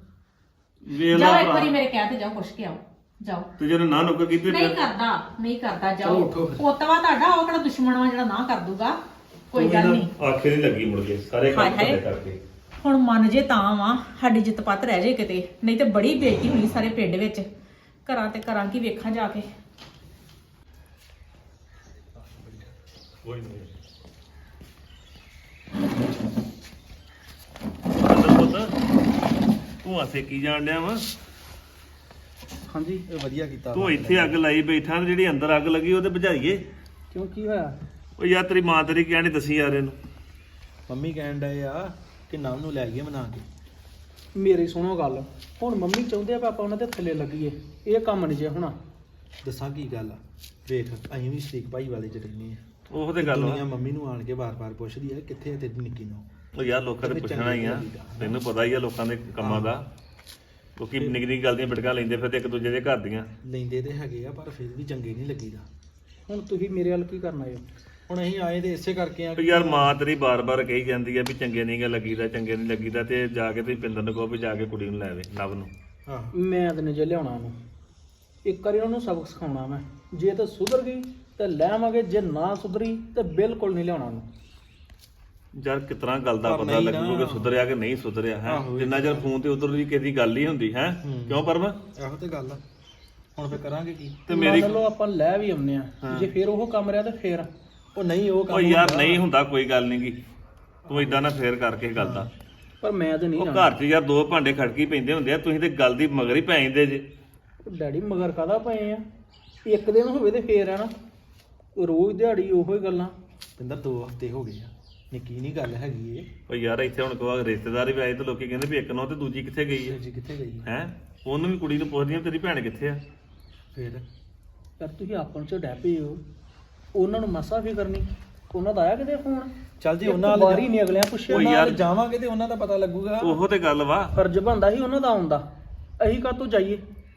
ਵੇਖ
ਜਾਓ
ਲੈ
ਇੱਕ ਵਾਰੀ
ਭਰਾ,
ਮੇਰੇ ਕਹਿ ਤੇ ਜਾਓ, ਪੁੱਛ ਕੇ ਆਓ, ਜਾਓ।
ਤੇ ਜਦੋਂ ਨਾ ਨੁੱਕ ਕੀਤੀ
ਨਹੀਂ
ਫਿਰ
ਕਰਦਾ ਨਹੀਂ ਕਰਦਾ,
ਚਲੋ
ਜਾਓ।
ਉੱਠੋ ਫਿਰ।
ਪੋਤਵਾ ਤੁਹਾਡਾ, ਉਹ ਕਿਹੜਾ ਦੁਸ਼ਮਣ ਵਾ ਜਿਹੜਾ ਨਾ ਕਰ ਦੂਗਾ, ਕੋਈ ਗੱਲ ਨਹੀਂ।
ਆਖੇ ਨਹੀਂ ਲੱਗੀ ਮੁੜ ਕੇ ਸਾਰੇ ਕੰਮ
ਹਾਏ ਹਾਏ।
ਕਰਦੇ ਕਰਕੇ।
ਹੁਣ ਮੰਨ ਜੇ ਤਾਂ ਵਾ ਸਾਡੀ ਜਿੱਤ ਪੱਤ ਰਹਿ ਜੇ ਕਿਤੇ, ਨਹੀਂ ਤੇ ਬੜੀ ਬੇਇੱਜ਼ਤੀ ਹੋਣੀ ਸਾਰੇ ਪਿੰਡ ਵਿੱਚ। ਘਰਾਂ ਤੇ ਕਰਾਂ ਕੀ ਵੇਖਾਂ ਜਾ ਕੇ।
ਕੋਈ ਨਹੀਂ ਤੂੰ ਆਸੇ ਕੀ ਜਾਣ ਡਿਆ ਵਾ?
ਹਾਂਜੀ ਇਹ ਵਧੀਆ ਕੀਤਾ।
ਤੂੰ ਇੱਥੇ ਅੱਗ ਲਾਈ ਬੈਠਾ, ਤੇ ਜਿਹੜੀ ਅੰਦਰ ਅੱਗ ਲੱਗੀ ਉਹ ਤੇ ਬੁਝਾਈਏ।
ਕਿਉਂ ਕੀ ਹੋਇਆ?
ਉਹ ਯਾਰ ਤੇਰੀ ਮਾਂ ਤੇਰੀ ਕਹਿਣੀ ਦੱਸੀ ਯਾਰ ਇਹਨੂੰ।
ਮੰਮੀ ਕਹਿਣ ਡਏ ਆ ਕਿ ਨਵ ਨੂੰ ਲੈ ਆਈਏ ਮਨਾ ਕੇ।
ਮੇਰੀ ਸੁਣੋ ਗੱਲ, ਹੁਣ ਮੰਮੀ ਚਾਹੁੰਦੇ ਆ ਪਾਪਾ ਉਹਨਾਂ ਦੇ ਥੱਲੇ ਲੱਗੀਏ, ਇਹ ਕੰਮ ਨਹੀਂ ਜੇ ਹੋਣਾ।
ਦੱਸਾਂ ਕੀ ਗੱਲ ਆ, ਵੇਖ ਅਸੀਂ ਵੀ ਸਟੀਕ ਭਾਈ ਵਾਲੇ ਚ ਰਹਿੰਦੇ ਆ।
ਉਹ ਤੇ ਗੱਲ
ਦੁਨੀਆ
ਵਾ।
ਮੰਮੀ ਨੂੰ ਆਣ ਕੇ ਬਾਰ-ਬਾਰ ਪੁੱਛਦੀ ਆ ਕਿੱਥੇ ਆ ਤੇਰੀ ਨਿੱਕੀ ਨੂੰ।
ਉਹ ਯਾਰ ਲੋਕਾਂ ਨੇ ਪੁੱਛਣਾ ਹੀ ਆ, ਤੈਨੂੰ ਪਤਾ ਹੀ ਆ ਲੋਕਾਂ ਦੇ ਕੰਮਾਂ ਦਾ। ਕਿਉਂਕਿ ਨਿੱਕੀ ਨਿੱਕੀ ਗੱਲ ਦੀਆਂ ਬਿਟਕਾਂ ਲੈਂਦੇ ਫਿਰ ਤੇ ਇੱਕ ਦੂਜੇ ਦੇ ਘਰ ਦੀਆਂ।
ਲੈਂਦੇ ਤੇ ਹੈਗੇ ਆ ਪਰ ਫਿਰ ਵੀ ਚੰਗੇ ਨਹੀਂ ਲੱਗੀਦਾ।
ਹੁਣ ਤੁਸੀਂ ਮੇਰੇ ਵੱਲ ਕੀ ਕਰਨਾ ਹੈ?
ਹੁਣ ਅਸੀਂ ਆਏ ਤੇ ਇਸੇ ਕਰਕੇ ਆ
ਤੇ ਯਾਰ ਮਾਂ ਤੇਰੀ ਬਾਰ-ਬਾਰ ਕਹੀ ਜਾਂਦੀ ਆ ਵੀ ਚੰਗੇ ਨਹੀਂ ਗਾ ਲੱਗੀਦਾ, ਚੰਗੇ ਨਹੀਂ ਲੱਗੀਦਾ, ਤੇ ਜਾ ਕੇ ਤੁਸੀਂ ਪਿੰਦਰ ਨੂੰ ਕਹੋ ਵੀ ਜਾ ਕੇ ਕੁੜੀ ਨੂੰ ਲੈ ਆਵੇ, ਨਵ ਨੂੰ।
ਹਾਂ
ਮੈਂ ਤਾਂ ਨਹੀਂ ਜੇ ਲਿਆਉਣਾ ਉਹਨੂੰ, ਇੱਕ ਵਾਰੀ ਉਹਨੂੰ ਸਬਕ ਸਿਖਾਉਣਾ ਮੈਂ। ਜੇ ਤਾਂ ਸੁਧਰ ਗਈ ਤੇ ਲੈ ਆਵਾਂਗੇ, ਜੇ ਨਾ ਸੁਧਰੀ ਤੇ ਬਿਲਕੁਲ ਨਹੀਂ ਲਿਆਉਣਾ ਉਹਨੂੰ।
ਯਾਰ ਕਿਤਨਾ ਗੱਲ ਦਾ
ਪਰ
ਪਤਾ
ਨਹੀਂ
ਲੱਗੂ ਕਿ
ਨਾ।
ਸੁਧਰਿਆ ਕਿ ਨਹੀਂ ਸੁਧਰਿਆ ਹੈ।
ਆਹੋ ਇਹ
ਜਿੰਨਾ ਚਿਰ ਫੋਨ ਤੇ ਉਧਰ ਦੀ ਕਿਸੇ ਦੀ ਗੱਲ ਹੀ ਹੁੰਦੀ ਹੈ।
ਹੂੰ।
ਕਿਉਂ ਪਰਮ?
ਇਹੋ ਤੇ ਗੱਲ ਆ। ਹੁਣ ਫਿਰ ਕਰਾਂਗੇ ਕੀ?
ਤੇ ਮੇਰੀ
ਮੰਨ ਲਓ ਆਪਾਂ ਲੈ ਵੀ ਆਉਂਦੇ ਆ, ਜੇ ਫਿਰ ਉਹ ਕੰਮ ਰਿਹਾ ਤੇ ਫਿਰ
ਉਹ ਨਹੀਂ ਉਹ ਕੰਮ
ਉਹ ਯਾਰ
ਹੁੰਦਾ।
ਨਹੀਂ ਹੁੰਦਾ, ਕੋਈ ਗੱਲ ਨਹੀਂ ਗੀ। ਤੂੰ ਇਦਾਂ ਨਾ ਫੇਰ ਕਰਕੇ ਗੱਲ ਦਾ।
ਪਰ ਮੈਂ ਤਾਂ ਨਹੀਂ
ਉਹ
ਜਾਣਾ।
ਘਰ 'ਚ ਯਾਰ ਦੋ ਭਾਂਡੇ ਖੜਕੀ ਪੈਂਦੇ ਹੁੰਦੇ ਆ, ਤੁਸੀਂ ਤੇ ਗੱਲ ਦੀ ਮਗਰ ਹੀ ਪੈ ਜਾਂਦੇ ਜੇ।
ਡੈਡੀ ਮਗਰ ਕਾਹਦਾ ਪਏ ਆ? ਇੱਕ ਦਿਨ ਹੋਵੇ ਤੇ ਫੇਰ ਆ ਨਾ, ਰੋਜ਼ ਦਿਹਾੜੀ ਉਹੋ ਹੀ ਗੱਲਾਂ।
ਪਿੰਦਰ ਦੋ ਹਫ਼ਤੇ ਹੋ ਗਏ ਆ, ਨਿੱਕੀ ਨਹੀਂ ਗੱਲ ਹੈਗੀ ਏ।
ਉਹ ਯਾਰ ਇੱਥੇ ਹੁਣ ਕੋਈ ਰਿਸ਼ਤੇਦਾਰ ਵੀ ਆਏ ਤੇ ਲੋਕੀ ਕਹਿੰਦੇ ਵੀ ਇੱਕ ਨੋ ਤੇ ਦੂਜੀ ਕਿੱਥੇ ਗਈ ਹੈ
ਜੀ ਕਿੱਥੇ ਗਈ ਆ?
ਹੈ। ਉਹਨੂੰ ਵੀ ਕੁੜੀ ਨੂੰ ਪੁੱਛਦੀਆਂ ਤੇਰੀ ਭੈਣ ਕਿੱਥੇ ਆ।
ਫਿਰ
ਯਾਰ ਤੁਸੀਂ ਆਪਣ ਚ ਡੈ ਪਏ ਹੋ, ਉਹਨਾਂ ਨੂੰ ਮਸਾ ਫਿਕਰ ਨਹੀਂ। ਉਹਨਾਂ ਦਾ ਆਇਆ ਕਿਤੇ ਫੋਨ?
ਚੱਲ ਜੀ
ਇੱਕ
ਉਹਨਾਂ
ਵਾਰੀ ਨਹੀਂ ਅਗਲਿਆਂ ਪੁੱਛਿਆ।
ਉਹ
ਉਹਨਾਂ
ਯਾਰ
ਨਾਲ ਜਾਵਾਂਗੇ ਤੇ ਉਹਨਾਂ ਦਾ ਪਤਾ ਲੱਗੂਗਾ।
ਉਹੋ ਤੇ ਗੱਲ ਵਾ।
ਫਰਜ਼ ਬਣਦਾ ਸੀ ਉਹਨਾਂ ਦਾ ਆਉਣ ਦਾ, ਅਸੀਂ ਕਾਹਤੋਂ ਜਾਈਏ?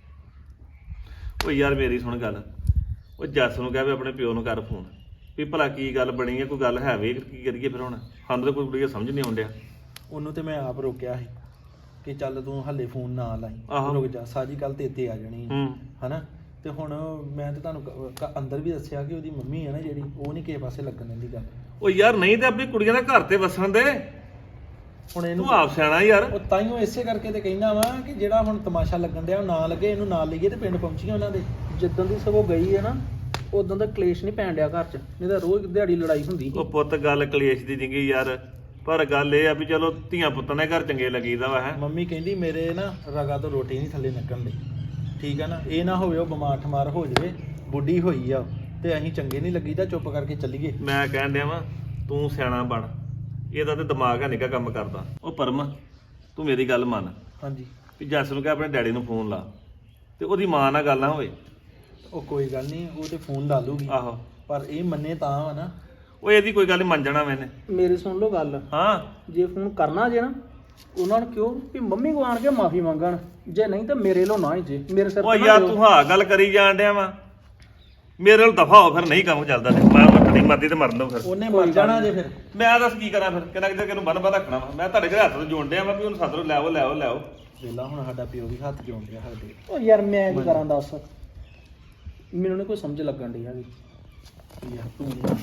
ਉਹ ਯਾਰ ਮੇਰੀ ਸੁਣ ਗੱਲ, ਉਹ ਜੱਸ ਨੂੰ ਕਹਿ ਵੀ ਆਪਣੇ ਪਿਓ ਨੂੰ ਕਰ ਫੋਨ ਵੀ ਭਲਾ ਕੀ ਗੱਲ ਬਣੀ ਹੈ, ਕੋਈ ਗੱਲ ਹੈ ਵੇ, ਕੀ ਕਰੀਏ ਫਿਰ ਹੁਣ। ਸਾਨੂੰ ਤਾਂ ਕੋਈ ਕੁੜੀ ਸਮਝ ਨਹੀਂ ਆਉਂਦਿਆ।
ਉਹਨੂੰ ਤੇ ਮੈਂ ਆਪ ਰੋਕਿਆ ਸੀ ਕਿ ਚੱਲ ਤੂੰ ਹੱਲੇ ਫੋਨ ਨਾ ਲਾਈ,
ਆਹੋ।
ਰੁਕ ਜਾ, ਸਾਰੀ ਗੱਲ ਤੇ ਇੱਥੇ ਆ ਜਾਣੀ ਹੈ।
ਹੂੰ।
ਹਨਾ। ਤੇ ਹੁਣ ਮੈਂ ਤੇ ਤੁਹਾਨੂੰ ਕ- ਕ- ਅੰਦਰ ਵੀ ਦੱਸਿਆ ਕਿ ਉਹਦੀ ਮੰਮੀ ਹੈ ਨਾ ਜਿਹੜੀ, ਉਹ ਨਹੀਂ ਕਿਸੇ ਪਾਸੇ ਲੱਗਣ ਦਿੰਦੀ ਗੱਲ।
ਉਹ ਯਾਰ ਨਹੀਂ ਤੇ ਆਪਣੀ ਕੁੜੀਆਂ ਦਾ ਘਰ ਤੇ ਵਸਣ ਦੇ।
ਹੁਣ ਇਹਨੂੰ
ਤੂੰ ਆਪ ਸਿਆਣਾ ਯਾਰ।
ਉਹ ਤਾਈਓ ਇਸੇ ਕਰਕੇ ਤੇ ਕਹਿੰਦਾ ਵਾ ਕਿ ਜਿਹੜਾ ਹੁਣ ਤਮਾਸ਼ਾ ਲੱਗਣ ਡਿਆ ਉਹ ਨਾ ਲੱਗੇ, ਇਹਨੂੰ ਨਾਲ ਲਈਏ ਤੇ ਪਿੰਡ ਪਹੁੰਚੀਏ ਉਹਨਾਂ ਦੇ।
ਜਿੱਦਣ ਦੀ ਸਗੋਂ ਗਈ ਹੈ ਨਾ, ਉਦੋਂ ਦਾ ਕਲੇਸ਼ ਨਹੀਂ ਪੈਣ ਡਿਆ ਘਰ 'ਚ, ਨਹੀਂ ਤਾਂ ਰੋਜ਼ ਦਿਹਾੜੀ ਲੜਾਈ ਹੁੰਦੀ ਸੀ।
ਉਹ ਪੁੱਤ ਗੱਲ ਕਲੇਸ਼ ਦੀ ਜਿੰਗੀ ਯਾਰ, ਪਰ ਗੱਲ ਇਹ ਆ ਵੀ ਚਲੋ ਧੀਆਂ ਪੁੱਤਾਂ ਦੇ ਘਰ ਚੰਗੇ ਲੱਗੀਦਾ ਵਾ ਹੈ।
ਮੰਮੀ ਕਹਿੰਦੀ ਮੇਰੇ ਨਾ ਰਗਾ ਤੋਂ ਰੋਟੀ ਨਹੀਂ ਥੱਲੇ ਨਿਕਲਣ ਦੀ, ਠੀਕ ਆ ਨਾ, ਇਹ ਨਾ ਹੋਵੇ ਉਹ ਬਿਮਾਰ ਠਮਾਰ ਹੋ ਜਾਵੇ, ਬੁੱਢੀ ਹੋਈ ਆ ਤੇ ਅਸੀਂ ਚੰਗੇ ਨਹੀਂ ਲੱਗੀਦਾ, ਚੁੱਪ ਕਰਕੇ ਚੱਲੀਏ।
ਮੈਂ ਕਹਿਣ ਡਿਆ ਵਾਂ ਤੂੰ ਸਿਆਣਾ ਬਣ, ਇਹਦਾ ਤੇ ਦਿਮਾਗ ਹੈ ਨਿੱਕਾ ਕੰਮ ਕਰਦਾ। ਉਹ ਪਰਮ ਤੂੰ ਮੇਰੀ ਗੱਲ ਮੰਨ,
ਹਾਂਜੀ।
ਵੀ ਜੱਸ ਨੂੰ ਕਹਿ ਆਪਣੇ ਡੈਡੀ ਨੂੰ ਫੋਨ ਲਾ ਤੇ ਉਹਦੀ ਮਾਂ ਨਾਲ ਗੱਲ ਨਾ ਹੋਵੇ।
ਉਹ ਕੋਈ ਗੱਲ ਨਹੀਂ, ਉਹ ਤੇ ਫੋਨ ਲਾ ਲੂਗੀ,
ਆਹੋ
ਪਰ ਇਹ ਮੰਨੇ ਤਾਂ ਵਾ ਨਾ।
ਉਹ ਇਹਦੀ ਕੋਈ ਗੱਲ ਨੀ, ਮੰਨ ਜਾਣਾ ਮੈਨੇ।
ਮੇਰੀ ਸੁਣ ਲਓ ਗੱਲ,
ਹਾਂ
ਜੇ ਫੋਨ ਕਰਨਾ ਜੇ ਨਾ ਉਹਨਾਂ ਨੂੰ ਕਿਉਂ ਵੀ ਮੰਮੀ ਕੋ ਆਣ ਕੇ ਮਾਫੀ ਮੰਗਣ, ਜੇ ਨਹੀਂ ਤਾਂ ਮੇਰੇ ਲੋ ਨਾ ਹੀ ਜੇ ਮੇਰੇ ਸਿਰ
ਉਹ
ਤੇ ਨਾ
ਯਾਰ
ਦਿਓ।
ਤੂੰ ਹਾਂ ਗੱਲ ਕਰੀ ਜਾਣ ਡਿਆ ਵਾ, ਮੇਰੇ ਨਾਲ ਦਫਾ ਹੋ ਫਿਰ ਨਹੀਂ ਕੰਮ ਚੱਲਦਾ ਤੇ ਮੈਂ ਮੱਟਣੀ ਮਰਦੀ ਤੇ ਮਰਨ ਦੋ ਫਿਰ।
ਉਹਨੇ ਮਰ ਜਾਣਾ ਜੇ ਫਿਰ।
ਮੈਂ ਦੱਸ ਕੀ ਕਰਾਂ ਫਿਰ, ਕਿੰਨਾ ਕਿਤੇ ਕਿਨੂੰ ਬੰਨ ਬੰਨ ਰੱਖਣਾ ਵਾ। ਮੈਂ ਤੁਹਾਡੇ ਘਰ ਹੱਥ ਤੋਂ ਜੋੜ ਡਿਆ ਵਾ ਵੀ ਉਹਨੂੰ ਸੱਦ ਲਓ, ਲੈ ਆਓ ਲੈ ਆਓ ਲੈ ਆਓ।
ਵੇਲਾ ਹੁਣ ਸਾਡਾ ਪਿਓ ਵੀ ਹੱਥ ਜੋੜ ਰਿਹਾ ਸਾਡੇ।
ਉਹ ਯਾਰ ਮੈਂ ਕੀ ਕਰਾਂ ਦੱਸ, ਮੈਨੂੰ ਨੀ ਕੋਈ ਸਮਝ ਲੱਗਣ ਡਈ ਹੈਗੀ।
ਯਾਰ ਤੂੰ ਨਾ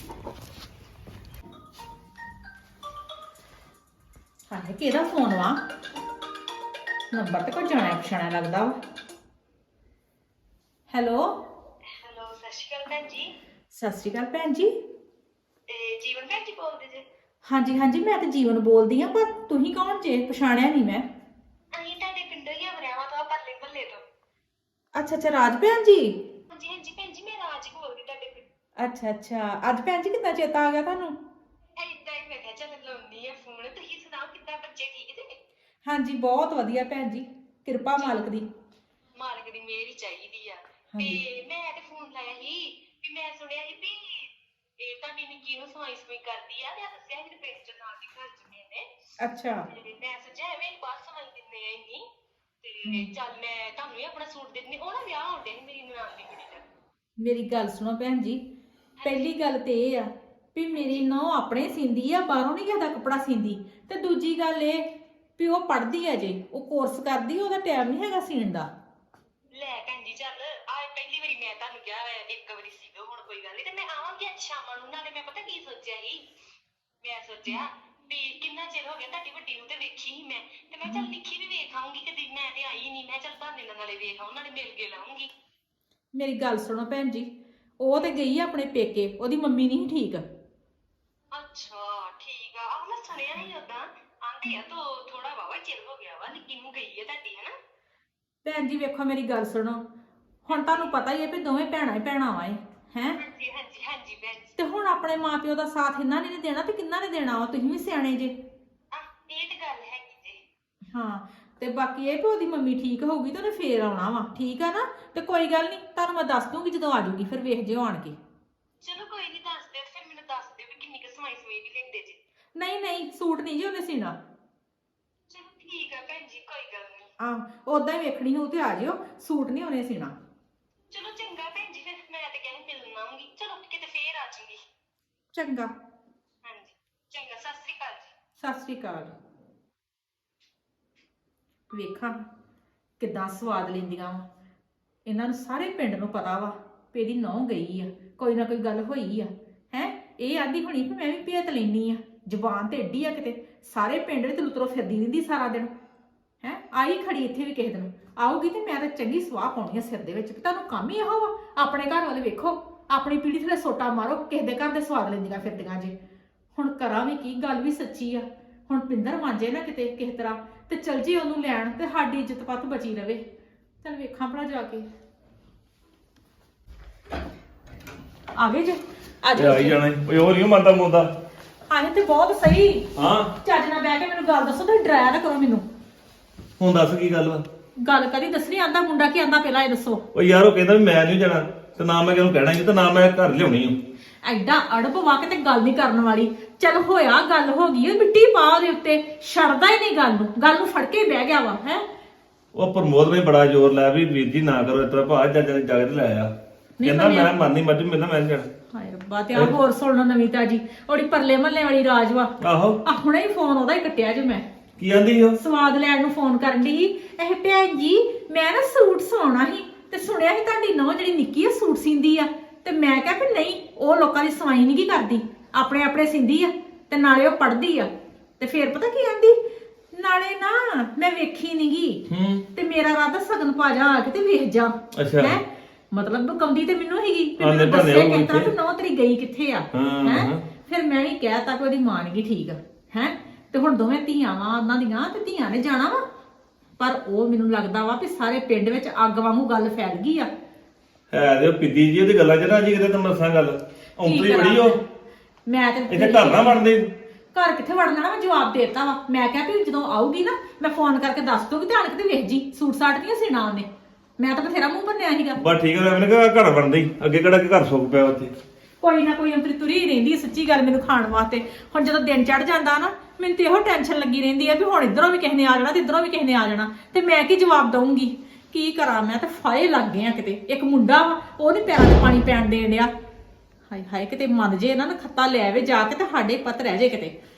ਹਾਏ ਕਿਹਦਾ ਫੋਨ ਵਾ? ਨੰਬਰ ਤੇ ਕੋਈ ਜਾਣਿਆ ਪਛਾਣਿਆ ਲੱਗਦਾ ਵਾ। ਹੈਲੋ
ਹੈਲੋ, ਸਤਿ ਸ਼੍ਰੀ ਅਕਾਲ ਭੈਣ ਜੀ।
ਸਤਿ ਸ਼੍ਰੀ ਅਕਾਲ ਭੈਣ ਜੀ।
ਇਹ ਜੀਵਨ ਭੈਣ ਜੀ ਬੋਲਦੇ ਜੇ?
ਹਾਂਜੀ ਹਾਂਜੀ ਮੈਂ ਤਾਂ ਜੀਵਨ ਬੋਲਦੀ ਆ, ਪਰ ਤੁਸੀਂ ਕੌਣ ਜੇ? ਪਛਾਣਿਆ ਨਹੀਂ ਮੈਂ।
ਅਸੀਂ ਤੁਹਾਡੇ ਪਿੰਡੋਂ ਹੀ ਆ, ਵਰਿਆਵਾਂ ਤੋਂ, ਪਰਲੇ ਮਹੱਲੇ ਤੋਂ।
ਅੱਛਾ ਅੱਛਾ ਰਾਜ ਭੈਣ ਜੀ।
ਹਾਂਜੀ ਹਾਂਜੀ ਭੈਣ ਜੀ, ਮੈਂ ਰਾਜ ਬੋਲਦੀ ਤੁਹਾਡੇ ਪਿੰਡ।
ਅੱਛਾ ਅੱਛਾ ਅੱਜ ਭੈਣ ਜੀ ਕਿੱਦਾਂ ਚੇਤਾ ਆ ਗਿਆ ਤੁਹਾਨੂੰ?
ਏਦਾਂ ਹੀ ਮੈਂ ਕਿਹਾ ਚੱਲ ਲਾਉਣੀ ਆ ਫੋਨ। ਤੁਸੀਂ ਸੁਣਾਓ ਕਿੱਦਾਂ, ਬੱਚੇ ਠੀਕ ਜੇ?
ਹਾਂਜੀ ਬਹੁਤ ਵਧੀਆ ਭੈਣ ਜੀ, ਕਿਰਪਾ ਮਾਲਕ ਦੀ।
ਮਾਲਕ ਦੀ ਮਿਹਰ ਹੀ ਚਾਹੀਦੀ ਆ। ਤੇ ਮੈਂ ਤੇ ਫੋਨ ਲਾਇਆ ਸੀ ਵੀ ਮੈਂ ਸੁਣਿਆ ਸੀ ਵੀ ਇਹ ਤੁਹਾਡੀ ਨਿੱਕੀ ਨੂੰ ਸਵਾਈ ਸਵਾਈ ਕਰਦੀ ਆ, ਤੇ ਆ ਦੱਸਿਆ ਮੇਰੇ ਪਿੰਡ ਚ ਨਾਲ ਦੀ ਘਰ ਚ ਨੇ।
ਅੱਛਾ
ਤੇ ਮੈਂ ਸੋਚਿਆ ਐਵੇਂ ਬਾਹਰ ਸਵਾਈ ਦਿੰਦੇ ਆ ਇੰਨੀ, ਤੇ ਚੱਲ ਮੈਂ ਤੁਹਾਨੂੰ ਵੀ ਆਪਣਾ ਸੂਟ ਦੇ ਦਿੰਦੀ। ਉਹ ਨਾ ਵਿਆਹ ਆਉਂਦੇ ਸੀ ਮੇਰੀ ਨਨਾਣ ਦੀ ਕੁੜੀ ਦਾ।
ਮੇਰੀ ਗੱਲ ਸੁਣੋ ਭੈਣ ਜੀ, ਪਹਿਲੀ ਗੱਲ ਤੇ ਇਹ ਆ ਵੀ ਮੇਰੀ ਨੌਂ ਆਪਣੇ ਸੀਂਦੀ ਆ, ਬਾਹਰੋਂ ਨਹੀਂ ਕਿਸੇ ਦਾ ਕੱਪੜਾ ਸੀਂਦੀ। ਤੇ ਦੂਜੀ ਗੱਲ ਇਹ ਵੀ ਉਹ ਪੜ੍ਹਦੀ ਆ ਜੇ, ਉਹ ਕੋਰਸ ਕਰਦੀ, ਉਹਦਾ ਟਾਈਮ ਨਹੀਂ ਹੈਗਾ ਸੀਣ ਦਾ।
ਲੈ ਭੈਣ ਜੀ, ਚੱਲ ਆ ਪਹਿਲੀ ਵਾਰੀ ਮੈਂ ਤੁਹਾਨੂੰ ਕਿਹਾ ਵਾ, ਇੱਕ ਵਾਰੀ ਸੀ ਦੋ, ਹੁਣ ਕੋਈ ਗੱਲ ਨਹੀਂ। ਤੇ ਮੈਂ ਆਵਾਂਗੀ ਅੱਜ ਸ਼ਾਮਾਂ ਨੂੰ। ਨਾਲੇ ਮੈਂ ਪਤਾ ਕੀ ਸੋਚਿਆ ਸੀ, ਮੈਂ ਸੋਚਿਆ ਵੀ ਕਿੰਨਾ ਚਿਰ ਹੋ ਗਿਆ ਤੁਹਾਡੀ ਵੱਡੀ ਨੂੰ ਤੇ ਵੇਖੀ ਸੀ ਮੈਂ, ਤੇ ਮੈਂ ਚੱਲ ਨਿੱਕੀ ਵੀ ਵੇਖ ਆਊਂਗੀ। ਕਦੀ ਮੈਂ ਤੇ ਆਈ ਨਹੀਂ, ਮੈਂ ਚੱਲ ਬਹਾਨੇ ਨਾਲ ਨਾਲੇ ਵੇਖ ਆਉਂ, ਨਾਲੇ ਮਿਲ ਕੇ ਲਾਉਂਗੀ।
ਮੇਰੀ ਗੱਲ ਸੁਣੋ ਭੈਣ ਜੀ, ਉਹ ਤੇ ਗਈ ਆ ਆਪਣੇ ਪੇਕੇ, ਉਹਦੀ ਮੰਮੀ ਨਹੀਂ ਠੀਕ।
ਅੱਛਾ ਠੀਕ ਆ। ਆਹ ਮੈਂ ਸੁਣਿਆ ਨਹੀਂ ਉਦਾਂ, ਆਂਦੇ ਆ ਤੋ ਥੋੜਾ ਵਾਵਾ ਚਿਰ ਹੋ ਗਿਆ ਵਾ ਨਿੱਕੀ ਨੂੰ ਗਈ ਹੈ ਤੁਹਾਡੀ, ਹਨਾ?
ਭੈਣ ਜੀ ਵੇਖੋ ਮੇਰੀ ਗੱਲ ਸੁਣੋ, ਹੁਣ ਤੁਹਾਨੂੰ ਪਤਾ ਹੀ ਹੈ ਵੀ ਦੋਵੇਂ ਭੈਣਾਂ ਹੀ ਭੈਣਾਂ ਵਾਂ ਹੈ।
ਹਾਂਜੀ ਹਾਂਜੀ ਹਾਂਜੀ ਭੈਣ ਜੀ।
ਤੇ ਹੁਣ ਆਪਣੇ ਮਾਪਿਓ ਦਾ ਸਾਥ ਇਹਨਾਂ ਨੇ ਨਹੀਂ ਦੇਣਾ ਤੇ ਕਿੰਨਾ ਨੇ ਦੇਣਾ ਵਾ? ਤੁਸੀਂ ਵੀ ਸਿਆਣੇ ਜੇ।
ਆ ਇਹ ਤੇ ਗੱਲ ਹੈਗੀ ਜੀ।
ਹਾਂ ਤੇ ਬਾਕੀ ਇਹ ਵੀ ਉਹਦੀ ਮੰਮੀ ਠੀਕ ਹੋਊਗੀ ਤੇ ਉਹਨੇ ਫੇਰ ਆਉਣਾ ਵਾ, ਠੀਕ ਆ ਨਾ? ਤੇ ਕੋਈ ਗੱਲ ਨਹੀਂ, ਤੁਹਾਨੂੰ ਮੈਂ ਦੱਸ ਦੂੰਗੀ ਜਦੋਂ ਆ ਜਾਊਗੀ, ਫਿਰ ਵੇਖ ਜਿਓ ਆਣ ਕੇ।
ਚਲੋ ਕੋਈ ਨਹੀਂ, ਦੱਸ ਦਿਓ। ਫਿਰ ਮੈਨੂੰ ਦੱਸ ਦਿਓ ਵੀ ਕਿੰਨੀ ਕੁ ਸਮਾਈ ਸਮਾਈ ਵੀ ਲੈਂਦੇ ਜੀ।
ਨਹੀਂ ਨਹੀਂ ਸੂਟ ਨਹੀਂ ਜੀ ਉਹਨੇ ਸੀਣਾ।
ਚਲੋ ਠੀਕ ਆ ਭੈਣ ਜੀ, ਕੋਈ ਗੱਲ ਨਹੀਂ।
ਆਹ ਉਦਾਂ ਹੀ ਵੇਖਣੀ ਹੋਊ ਤੇ ਆ ਜਿਓ, ਸੂਟ ਨਹੀਂ ਉਹਨੇ ਸੀਣਾ।
ਚਲੋ ਚੰਗਾ ਭੈਣ ਜੀ, ਫਿਰ ਮੈਂ ਤੇ ਕਹਿੰਦੀ ਮਿਲਣ ਆਉਂਗੀ। ਚਲੋ ਕਿਤੇ ਫੇਰ ਆ ਜਾਊਂਗੀ।
ਚੰਗਾ,
ਹਾਂਜੀ ਚੰਗਾ, ਸਤਿ ਸ੍ਰੀ ਅਕਾਲ ਜੀ।
ਸਤਿ ਸ੍ਰੀ ਅਕਾਲ। ਵੇਖਾਂ ਕਿੱਦਾਂ ਸਵਾਦ ਲੈਂਦੀਆਂ ਵਾ, ਇਹਨਾਂ ਨੂੰ ਸਾਰੇ ਪਿੰਡ ਨੂੰ ਪਤਾ ਵਾ ਵੀ ਇਹਦੀ ਨਹੁੰ ਗਈ ਆ, ਕੋਈ ਨਾ ਕੋਈ ਗੱਲ ਹੋਈ ਆ। ਹੈ ਇਹ ਆਦੀ ਹੋਣੀ ਵੀ ਮੈਂ ਵੀ ਭੇਤ ਲੈਣੀ ਆ, ਜ਼ੁਬਾਨ ਤੇ ਏਡੀ ਆ ਕਿਤੇ, ਸਾਰੇ ਪਿੰਡ ਵਿੱਚ ਲੁਤਰੋ ਫਿਰਦੀ ਰਹਿੰਦੀ ਸਾਰਾ ਦਿਨ। ਹੈ ਆਈ ਖੜੀ ਇੱਥੇ ਵੀ ਕਿਸੇ ਦਿਨ ਆਊਗੀ ਤੇ ਮੈਂ ਤਾਂ ਚੰਗੀ ਸਵਾਹ ਪਾਉਣੀ ਆ ਸਿਰ ਦੇ ਵਿੱਚ। ਤੁਹਾਨੂੰ ਕੰਮ ਹੀ ਇਹੋ ਵਾ, ਆਪਣੇ ਘਰ ਵਾਲੇ ਵੇਖੋ, ਆਪਣੀ ਪੀੜੀ ਥਲੇ ਸੋਟਾ ਮਾਰੋ, ਕਿਸੇ ਦੇ ਘਰ ਦੇ ਸਵਾਦ ਲੈਂਦੀਆਂ ਫਿਰਦੀਆਂ ਜੇ। ਹੁਣ ਕਰਾਂ ਵੀ ਕੀ, ਗੱਲ ਵੀ ਸੱਚੀ ਆ। ਹੁਣ ਪਿੰਦਰ ਮਾਂਜੇ ਨਾ ਕਿਤੇ ਕਿਸੇ ਤਰ੍ਹਾਂ ਤੇ ਚਲ ਜੀ ਉਹਨੂੰ ਲੈਣ, ਤੇ ਸਾਡੀ ਇੱਜ਼ਤ ਪੱਤ ਬਚੀ ਰਵੇ। ਚਲ ਵੇਖਾਂ ਭਲਾ ਜਾ ਕੇ। ਆ ਗਏ ਜੇ? ਆ
ਇਹ
ਜਾਓ
ਆਈ ਜਾਣਾ ਓਏ, ਹੋਰ ਨਹੀਂ ਮੰਨਦਾ ਮੁੰਦਾ।
ਆਏ ਤੇ ਬਹੁਤ ਸਹੀ।
ਹਾਂ
ਚੱਜ ਨਾਲ ਬਹਿ ਕੇ ਮੈਨੂੰ ਗੱਲ ਦੱਸੋ, ਤੇ ਡਰਾਇਆ ਨਾ ਕਰੋ ਮੈਨੂੰ।
ਹੁਣ ਦੱਸ ਕੀ ਗੱਲ ਵਾ?
ਗੱਲ ਕਦੀ ਦੱਸਣੀ ਆਂਦਾ ਮੁੰਡਾ ਕੀ ਆਂਦਾ ਪਹਿਲਾਂ ਇਹ ਦੱਸੋ।
ਓ ਯਾਰ ਉਹ ਕਹਿੰਦਾ ਵੀ ਮੈਂ ਨਹੀਂ ਜਾਣਾ, ਤੇ ਨਾ ਮੈਂ ਕਿਹਨੂੰ ਕਹਿਣਾ ਸੀ, ਤੇ ਨਾ ਮੈਂ ਘਰ ਲਿਆਉਣੀ ਆ।
ਐਡਾ ਅੜਬ ਵਾ ਕੇ ਤੇ ਗੱਲ ਨਹੀਂ ਕਰਨ ਵਾਲੀ। ਚੱਲ ਹੋਇਆ ਗੱਲ ਹੋ ਗਈ, ਉਹ ਮਿੱਟੀ ਪਾ ਉਹਦੇ ਉੱਤੇ, ਛੱਡਦਾ ਹੀ ਨਹੀਂ ਗੱਲ ਨੂੰ, ਗੱਲ ਨੂੰ ਫੜ ਕੇ ਹੀ ਬਹਿ ਗਿਆ ਵਾ। ਹੈ
ਉਹ ਪ੍ਰਮੋਦ ਨੇ ਬੜਾ ਜ਼ੋਰ ਲਾਇਆ ਵੀ ਵੀਰ ਜੀ ਨਾ ਕਰੋ ਇਸ ਤਰ੍ਹਾਂ, ਭਾ ਜੱਜ ਨੇ ਜਗਤ ਲਾਇਆ, ਕਹਿੰਦਾ ਮੈਂ ਮੰਨਨੀ ਮੱਝ ਮੇਰਾ ਮੈਂ ਨਹੀਂ ਜਾਣਾ।
ਹਾਏ ਰੱਬਾ, ਤੇ ਆ ਹੋਰ ਸੁਣਨਾ ਨਵੀਂ ਤਾਜੀ, ਉਹਦੀ ਪਰਲੇ ਮਹੱਲੇ ਵਾਲੀ ਰਾਜ ਵਾ।
ਆਹੋ
ਆ ਹੁਣੇ ਹੀ ਫੋਨ ਉਹਦਾ ਹੀ ਕੱਟਿਆ ਜੇ ਮੈਂ।
ਕੀ ਆਂਦੀ ਉਹ?
ਸਵਾਦ ਲੈਣ ਨੂੰ ਫੋਨ ਕਰਨ ਦੀ। ਇਹ ਭੈਣ ਜੀ ਮੈਂ ਨਾ ਸੂਟ ਸਵਾਉਣਾ ਸੀ, ਤੇ ਸੁਣਿਆ ਸੀ ਤੁਹਾਡੀ ਨੌਂ ਜਿਹੜੀ ਨਿੱਕੀ ਆ ਸੂਟ ਸੀਂਦੀ ਆ, ਤੇ ਮੈਂ ਕਿਹਾ ਵੀ ਨਹੀਂ, ਉਹ ਲੋਕਾਂ ਦੀ ਸਵਾਈ ਨਹੀਂ ਕੀ ਕਰਦੀ, ਆਪਣੇ ਆਪਣੇ ਸੀਂਦੀ ਆ, ਤੇ ਨਾਲੇ ਉਹ ਪੜ੍ਹਦੀ ਆ। ਤੇ ਫੇਰ ਪਤਾ ਕੀ ਆਂਦੀ, ਨਾਲੇ ਨਾ ਮੈਂ ਵੇਖੀ ਨੀ ਗੀ,
ਹੂੰ
ਤੇ ਮੇਰਾ ਰਾਦਾ ਸਗਨ ਪਾ ਜਾ ਆ ਕੇ ਤੇ ਵੇਖ ਜਾ।
ਅੱਛਾ।
ਹੈਂ? ਮਤਲਬ ਬਕਾਉਂਦੀ ਤੇ ਮੈਨੂੰ ਹੀਗੀ ਵੀ
ਆਂਦੇ
ਮੈਨੂੰ
ਭਾਵੇਂ
ਦੱਸੇ
ਉਹ
ਕਿਸ ਤਰ੍ਹਾਂ
ਇੱਥੇ।
ਵੀ ਨੌ ਤੇਰੀ ਗਈ ਕਿੱਥੇ ਆ
ਹਾਂ,
ਹੈ
ਹਾਂ।
ਫਿਰ ਮੈਂ ਵੀ ਕਹਿਤਾ ਕਿ ਉਹਦੀ ਮਾਂ ਨੀ ਠੀਕ ਆ ਹੈ ਤੇ ਹੁਣ ਦੋਵੇਂ ਧੀਆਂ ਵਾ ਉਹਨਾਂ ਦੀਆਂ ਤੇ ਧੀਆਂ ਨੇ ਜਾਣਾ ਵਾ ਪਰ ਉਹ ਮੈਨੂੰ ਲੱਗਦਾ ਵਾ ਵੀ ਸਾਰੇ ਪਿੰਡ ਵਿੱਚ ਅੱਗ ਵਾਂਗੂ ਗੱਲ ਫੈਲ ਗਈ ਆ।
ਹੈ ਤੇ ਉਹ ਪਿੱਦੀ ਜੀ ਉਹਦੀ ਗੱਲਾਂ ਚ ਰਾਜੀ ਕਿਤੇ ਤਾਂ ਮਸਾਂ ਗੱਲ ਔਂਤਰੀ
ਕਰਾਂ?
ਬੜੀ ਉਹ
ਮੈਂ ਤੇ
ਇੱਥੇ ਘਰ ਨਾ ਬਣਦੇ
ਘਰ ਕਿੱਥੇ ਵੜਨਾ ਨਾ ਮੈਂ ਜਵਾਬ ਦੇਤਾ ਵਾ ਮੈਂ ਕਿਹਾ ਵੀ ਜਦੋਂ ਆਊਗੀ ਨਾ ਮੈਂ ਫੋਨ ਕਰਕੇ ਦੱਸ ਦੂੰਗੀ ਤੇ ਆਣ ਕੇ ਤੇ ਵੇਖ ਜੀ ਸੂਟ ਸਾਟ ਦੀਆਂ ਸੀਣਾ ਉਹਨੇ ਮੈਂ ਤਾਂ ਬਥੇਰਾ ਮੂੰਹ ਭੰਨਿਆ ਸੀਗਾ।
ਬਸ ਠੀਕ ਹੈ ਮੈਨੂੰ ਕਿਹਾ ਘਰ ਬਣਦੇ ਹੀ ਅੱਗੇ ਕਿਹੜਾ ਕਿ ਘਰ ਸੁੱਕ ਪਿਆ ਉੱਥੇ।
ਕੋਈ ਨਾ ਕੋਈ ਅੰਤਰੀ ਤੁਰੀ ਰਹਿੰਦੀ ਹੈ ਸੱਚੀ ਗੱਲ ਮੈਨੂੰ ਖਾਣ ਵਾਸਤੇ। ਹੁਣ ਜਦੋਂ ਦਿਨ ਚੜ ਜਾਂਦਾ ਨਾ ਮੈਨੂੰ ਤੇ ਇਹੋ ਟੈਨਸ਼ਨ ਲੱਗੀ ਰਹਿੰਦੀ ਆ ਵੀ ਹੁਣ ਇਧਰੋਂ ਵੀ ਕਿਸੇ ਨੇ ਆ ਜਾਣਾ ਤੇ ਇਧਰੋਂ ਵੀ ਕਿਸੇ ਨੇ ਆ ਜਾਣਾ ਤੇ ਮੈਂ ਕੀ ਜਵਾਬ ਦਊਂਗੀ ਕੀ ਕਰਾਂ ਮੈਂ ਤਾਂ ਫਾਇ ਲੱਗ ਗਏ ਆ ਕਿਤੇ। ਇੱਕ ਮੁੰਡਾ ਵਾ ਉਹ ਨੀ ਪੈਰਾਂ 'ਚ ਪਾਣੀ ਪੈਣ ਦੇਣ ਡਿਆ ਹਾਏ ਹਾਏ ਕਿਤੇ ਮੰਨ ਜੇ ਇਹਨਾਂ ਨੇ ਖੱਤਾ ਲੈ ਆਵੇ ਜਾ ਕੇ ਤੇ ਸਾਡੇ ਪੱਤ ਰਹਿ ਜੇ ਕਿਤੇ।